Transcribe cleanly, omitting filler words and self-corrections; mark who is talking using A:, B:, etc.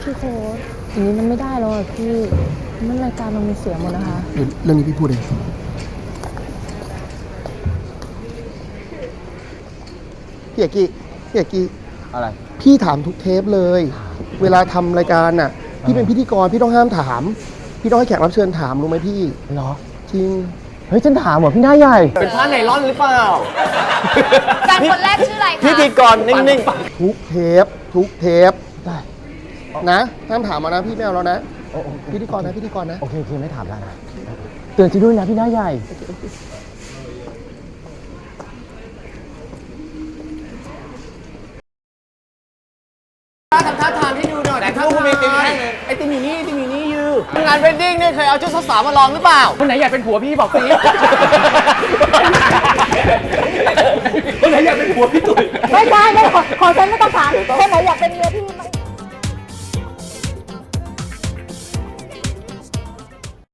A: พี่โค้ดอย่างนี้มันไม่ได้แล้วอ่ะพี่มันรายการเรามีเสียหมดนะคะ
B: เดี๋ยวเรื่องนี้พี่พูดเองพี่เอกกี้
C: อะไร
B: พี่ถามทุกเทปเลย เวลาทำรายการน่ะพี่เป็นพิธีกรพี่ต้องห้ามถาม พี่ต้องให้แขกรับเชิญถามรู้ไหมพี่
C: เหรอ
B: จริง
C: เฮ้ยฉันถามเหรอพี่หน้าใหญ่เป็นผ้าไนล่อนหรือเปล่า
D: แฟนคนแรกชื่ออะไรคะ
C: พิธีกรนิ่ง
B: ๆทุกเทป
C: ได้
B: นะห้ามถามมานะพี่ไม่เอาแล้วนะ
C: โอ้
B: พิธีกรนะ
C: โอเคไม่ถามแล้วนะเตือนฉันด้วยนะพี่หน้าใหญ่ทำท่าทางให้ดูหน่อยแต่ถ้าคุณมีติมแท่งเลยไอติมอยู่นี่ยืงานเวดดิ้งเนี่ยเคยเอาชุดสาวๆมาลองหรือเปล่าคนไหนอยากเป็นผัวพี่บอกสิคนไหนอยากเป็นผัวพี่ตุ๋ย
A: ไม่ใช่ขอฉันไม่ต้องถามคนไหนอยากเป็นเมียพี่